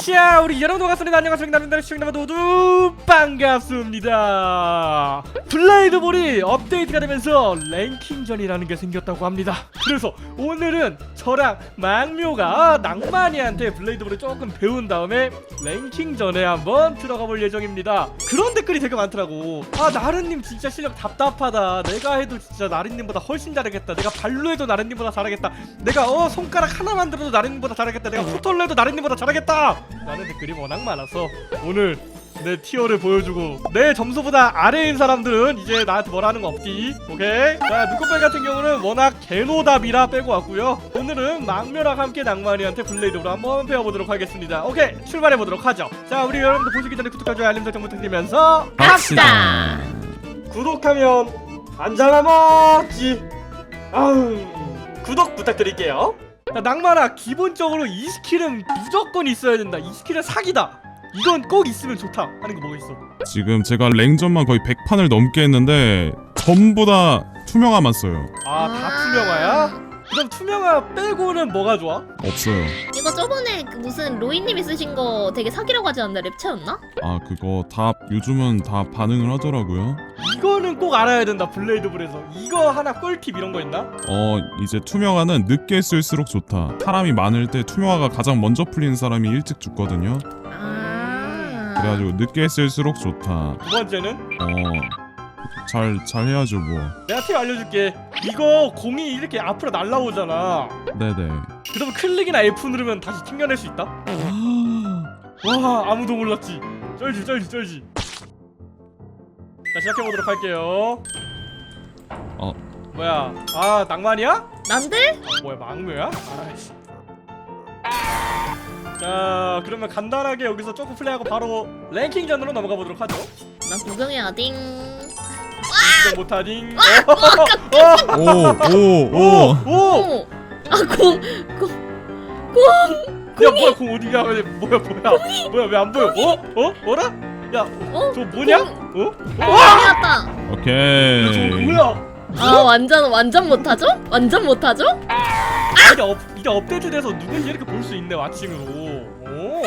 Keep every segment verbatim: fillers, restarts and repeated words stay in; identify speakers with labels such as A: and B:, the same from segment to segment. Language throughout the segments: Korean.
A: 자, 우리 여러분 반갑습니다. 안녕하세요. 나름대로 시청자 모두 반갑습니다. 블레이드볼이 업데이트가 되면서 랭킹전이라는 게 생겼다고 합니다. 그래서 오늘은 저랑 망묘가 낭만이한테 블레이드볼을 조금 배운 다음에 랭킹전에 한번 들어가 볼 예정입니다. 그런 댓글이 되게 많더라고. 아, 나른님 진짜 실력 답답하다. 내가 해도 진짜 나른님보다 훨씬 잘하겠다. 내가 발로 해도 나른님보다 잘하겠다. 내가 어 손가락 하나 만들어도 나른님보다 잘하겠다. 내가 포털로 해도 나른님보다 잘하겠다 라는 댓글이 워낙 많아서 오늘 내 티어를 보여주고 내 점수보다 아래인 사람들은 이제 나한테 뭐라 하는 거 없디. 오케이? 자, 눈꽃벨 같은 경우는 워낙 개노답이라 빼고 왔고요. 오늘은 망묘랑 함께 낭만이한테 블레이드로 한번 배워보도록 하겠습니다. 오케이, 출발해보도록 하죠. 자, 우리 여러분들 보시기 전에 구독과 좋아요 알림 설정 부탁드리면서
B: 갑시다.
A: 구독하면 안전하 먹지. 아우, 구독 부탁드릴게요. 자, 낭만아, 기본적으로 이 스킬은 무조건 있어야 된다. 이 스킬은 사기다. 이건 꼭 있으면 좋다 하는 거 뭐가 있어?
B: 지금 제가 랭전만 거의 백 판을 넘게 했는데 전부 다 투명화만 써요.
A: 아, 다 투명화야? 그럼 투명화 빼고는 뭐가 좋아?
B: 없어요.
C: 이거 저번에 그 무슨 로이님이 쓰신 거 되게 사기라고 하지 않나? 랩체였나?
B: 아 그거 다 요즘은 다 반응을 하더라고요.
A: 이거는 꼭 알아야 된다. 블레이드볼에서 이거 하나 꿀팁 이런 거 있나?
B: 어 이제 투명화는 늦게 쓸수록 좋다. 사람이 많을 때 투명화가 가장 먼저 풀리는 사람이 일찍 죽거든요.
C: 아.
B: 그래가지고 늦게 쓸수록 좋다.
A: 두 번째는
B: 어잘 잘 해야죠 뭐.
A: 내가 팁 알려줄게. 이거 공이 이렇게 앞으로 날라오잖아.
B: 네네.
A: 그러면 클릭이나 F 누르면 다시 튕겨낼 수 있다? 와, 아무도 몰랐지. 쩔지 쩔지 쩔지. 자, 시작해보도록 할게요.
B: 어
A: 뭐야? 아, 낭만이야?
C: 난데?
A: 아, 뭐야, 망묘야? 아이씨. 자, 그러면 간단하게 여기서 조금 플레이하고 바로 랭킹전으로 넘어가 보도록 하죠.
C: 난 구경해야 딩.
A: 이거 못하딩.
B: 오 오 오.
A: 오!
C: 오. 아, 공, 공, 공.
A: 야, 뭐야, 공 어디가? 뭐야, 뭐야, 뭐야, 왜 안 보여? 어? 어? 뭐라? 야,
C: 어?
A: 저 뭐냐?
C: 공.
A: 어?
C: 아, 왔다.
A: 야,
B: 오케이.
A: 저 뭐야?
C: 아, 완전 완전 못하죠? 완전 못하죠?
A: 아, 이게, 업, 이게 업데이트돼서 누군지 이렇게 볼 수 있네, 왓칭으로. 오.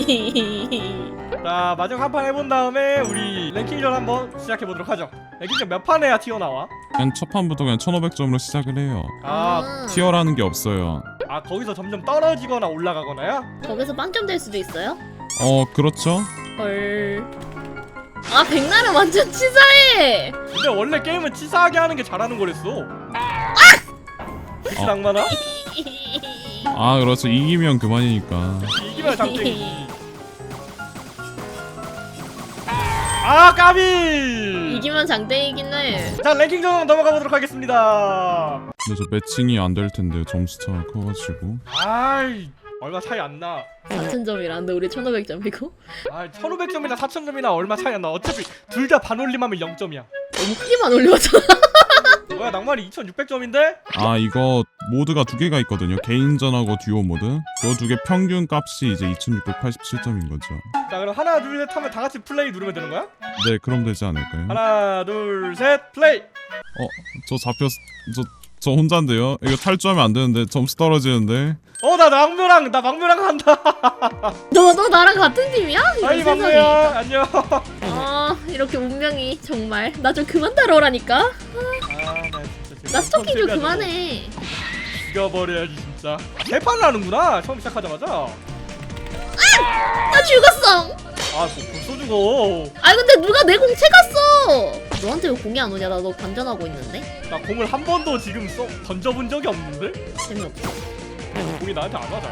A: 자, 마지막 한 판 해본 다음에 우리 랭킹전 한번 시작해보도록 하죠. 랭킹전 몇 판 해야 튀어나와?
B: 그냥 첫 판부터 그냥 천오백 점으로 시작을 해요.
A: 아,
B: 티어라는 게 없어요.
A: 아, 거기서 점점 떨어지거나 올라가거나요?
C: 거기서 빵점 될 수도 있어요?
B: 어 그렇죠.
C: 헐. 아, 백날은 완전 치사해.
A: 근데 원래 게임은 치사하게 하는 게 잘하는 거랬어. 그치,
B: 어.
A: 낭만아?
B: 아 그렇죠. 이기면 그만이니까.
A: 이기면 장땡이지. 아, 까비!
C: 이기면 장땡이긴 해.
A: 자, 랭킹전 넘어가 보도록 하겠습니다.
B: 근데 저 매칭이 안 될 텐데 점수 차가 커가지고.
A: 아이, 얼마 차이 안 나.
C: 사천 점이라는데 우리 천오백 점이고?
A: 아, 천오백 점이나 사천 점이나 얼마 차이 안 나. 어차피 둘 다 반올림하면 영 점이야.
C: 너무 크게만 올려왔잖아.
A: 뭐야, 낭만이 이천육백 점인데?
B: 아 이거 모드가 두 개가 있거든요. 개인전하고 듀오 모드. 요 두 개 평균 값이 이제 이천육백팔십칠 점인 거죠.
A: 자, 그럼 하나 둘 셋 하면 다 같이 플레이 누르면 되는 거야?
B: 네 그럼 되지 않을까요?
A: 하나 둘 셋 플레이.
B: 어 저 잡혔 저 저 혼자인데요. 이거 탈주하면 안 되는데 점수 떨어지는데.
A: 어, 나 망묘랑 나 망묘랑 한다.
C: 너, 너 나랑 같은 팀이야? 이런
A: 아이,
C: 세상에.
A: 망묘야, 안녕.
C: 아, 이렇게 운명이 정말. 나 좀 그만 따라오라니까.
A: 아, 나 진짜 지금
C: 나 스토킹 좀
A: 컴퓨터야,
C: 그만해.
A: 저거. 죽여버려야지 진짜. 세 판을 하는구나, 처음 시작하자마자.
C: 나 죽었어.
A: 아, 뭐 벌써 죽어.
C: 아, 근데 누가 내 공 채갔어. 너한테 왜 공이 안 오냐? 나 너 관전하고 있는데.
A: 나 공을 한 번도 지금 써 던져본 적이 없는데?
C: 재미없어.
A: 공이 나한테 안 와잘.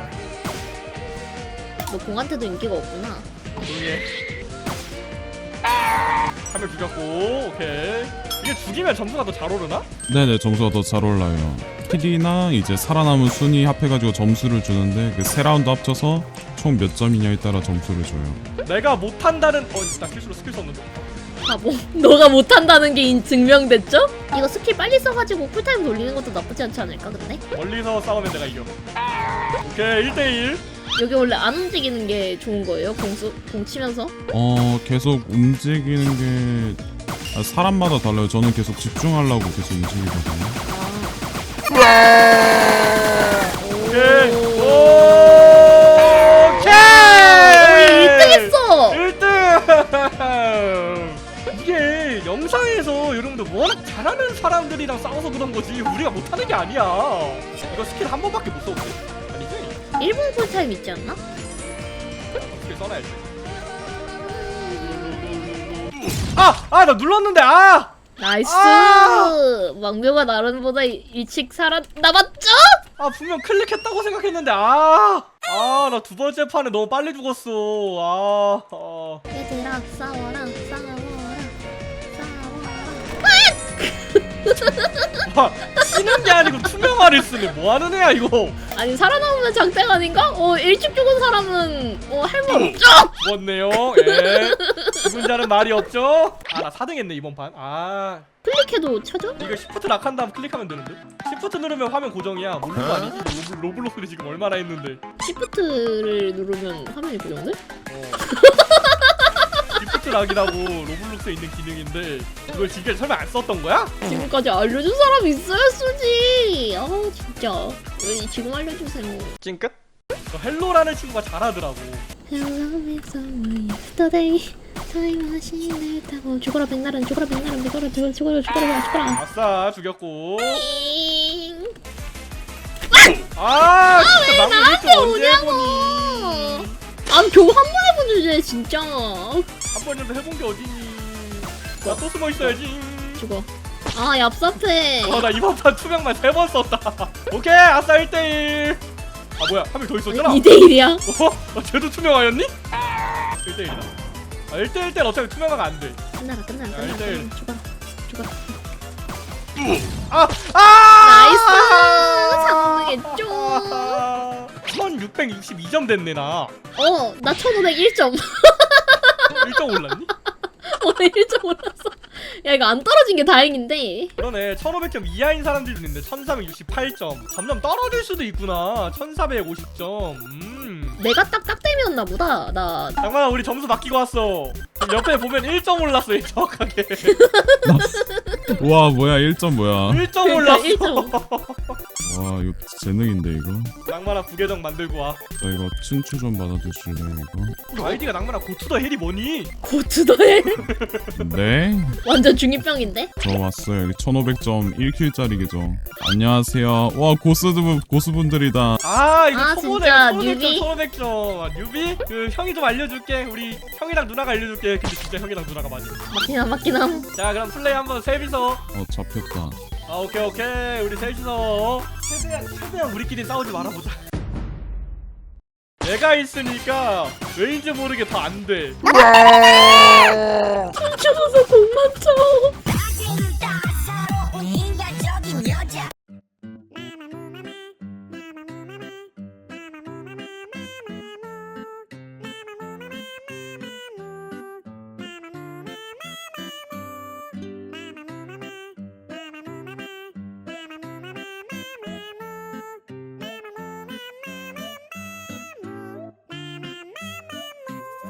C: 너 공한테도 인기가 없구나.
A: 조용히 해. 한 명 죽였고, 오케이. 이게 죽이면 점수가 더 잘 오르나?
B: 네네 점수가 더 잘 올라요. 킬이나 이제 살아남은 순위 합해가지고 점수를 주는데 그 세 라운드 합쳐서 총 몇 점이냐에 따라 점수를 줘요.
A: 내가 못한다는. 어, 나 실수로 스킬 썼는데.
C: 바보. 너가 못한다는 게 인- 증명됐죠? 이거 스킬 빨리 써가지고 쿨타임 돌리는 것도 나쁘지 않지 않을까 근데?
A: 멀리서 싸우면 내가 이겨. 오케이, 일 대일.
C: 여기 원래 안 움직이는 게 좋은 거예요? 공수, 공 치면서?
B: 어 계속 움직이는 게 아, 사람마다 달라요. 저는 계속 집중하려고 계속 움직이거든요.
C: 아.
A: 오케이.
C: 오.
A: 오케이. 잘하는 사람들이랑 싸워서 그런 거지 우리가 못하는 게 아니야. 이거 스킬 한 번밖에 못 써도 돼? 아니지?
C: 일본 쿨타임 있지 않나?
A: 스킬 써놔야지. 아! 아! 나 눌렀는데 아!
C: 나이스!
A: 아!
C: 왕묘가 나름보다 일찍 살아남았죠?
A: 아 분명 클릭했다고 생각했는데 아! 아 나 두 번째 판에 너무 빨리 죽었어. 아, 아.
C: 얘들아 싸워라 싸워라 싸워라.
A: 와, 치는 게 아니고 투명화를 쓰네. 뭐 하는 애야 이거?
C: 아니 살아남으면 장땡 아닌가? 어 일찍 죽은 사람은 어 할 말 없죠?
A: 죽었네요. 예. 죽은 자는 말이 없죠? 아 나 사 등 했네 이번 판. 아
C: 클릭해도 쳐져?
A: 이거 시프트 락한 다음 클릭하면 되는데? 시프트 누르면 화면 고정이야. 모르는 거 아니지? 로블, 로블록스를 지금 얼마나 했는데.
C: 시프트를 누르면 화면이 고정돼?
A: 어. 시프트 락이라고 로블록스에 있는 기능인데 이걸 지금 설마 안 썼던 거야?
C: 지금까지 알려준 사람 있어야 쓰지. 아 진짜 왜 지금 알려주세요.
A: 찡끗? 저 헬로라는 친구가 잘하더라고.
C: Hello, it's only yesterday. 타임머신을 타고 죽어라 백날은 죽어라 백날은 죽어라 죽어라 죽어라 죽어라 죽어라.
A: 아싸 죽였고.
C: 잉.
A: 아 진짜 나무
C: 나한테
A: 일등 언제
C: 오냐고.
A: 해보니.
C: 아 겨우 한 번 해본 주제 진짜.
A: 한 번이라도 해본 게 어디니. 나 또 숨어 있어야지.
C: 죽어. 아 얍삽해.
A: 어 나 이번 판 투명만 세 번 썼다. 오케이 아싸 일 대 일. 아 뭐야 한 명 더 있었잖아.
C: 이 대 일이야.
A: 어? 아, 쟤도 투명화였니? 일 대 일이다. 아 일 대 일 때는 어차피 투명화가 안 돼.
C: 끝나라 끝나라
A: 야,
C: 끝나라
A: 일 대 일.
C: 끝나라. 죽어라 죽어라.
A: 아! 아!
C: 나이스. 삼등했죠.
A: 아, 천육백육십이 점 됐네 나.
C: 어나 천오백일 점.
A: 일 점 올랐니?
C: 어 일 점 올랐어. 야 이거 안 떨어진 게 다행인데.
A: 그러네. 천오백 점 이하인 사람들도 있는데 천삼백육십팔 점. 점점 떨어질 수도 있구나. 천사백오십 점. 음.
C: 내가 딱 깍댐이었나 보다. 나
A: 장만아 우리 점수 바뀌고 왔어. 지금 옆에 보면 일 점 올랐어. 얘 정확하게.
B: 와 뭐야 일 점 뭐야.
A: 일 점
C: 그러니까
A: 올랐어.
C: 일 점.
B: 와 이거 재능인데 이거.
A: 낭만아 부계정 만들고 와.
B: 저 이거 춘추 좀 받아주실래요 이거?
A: 아이디가 낭만아 고투더 헬이 뭐니?
C: 고투더해.
B: 네?
C: 완전 중이병인데?
B: 저 왔어요. 여기 천오백 점 일 킬짜리 계정. 안녕하세요. 와 고수분 고수분들이다.
A: 아 이거
C: 아,
A: 초보네.
C: 진짜,
A: 천오백 점
C: 뉴비?
A: 천오백 점. 아, 뉴비? 그 형이 좀 알려줄게. 우리 형이랑 누나가 알려줄게. 근데 진짜 형이랑 누나가 맞아.
C: 맞긴 한 맞긴 함.
A: 자 그럼 플레이 한번 셋이서.
B: 어 잡혔다.
A: 아 오케이 오케이 우리 셋이서 최대한 최대한 우리끼리 싸우지 말아보자. 내가 있으니까 왜인지 모르게 더 안 돼.
C: 춤추면서 공 맞춰.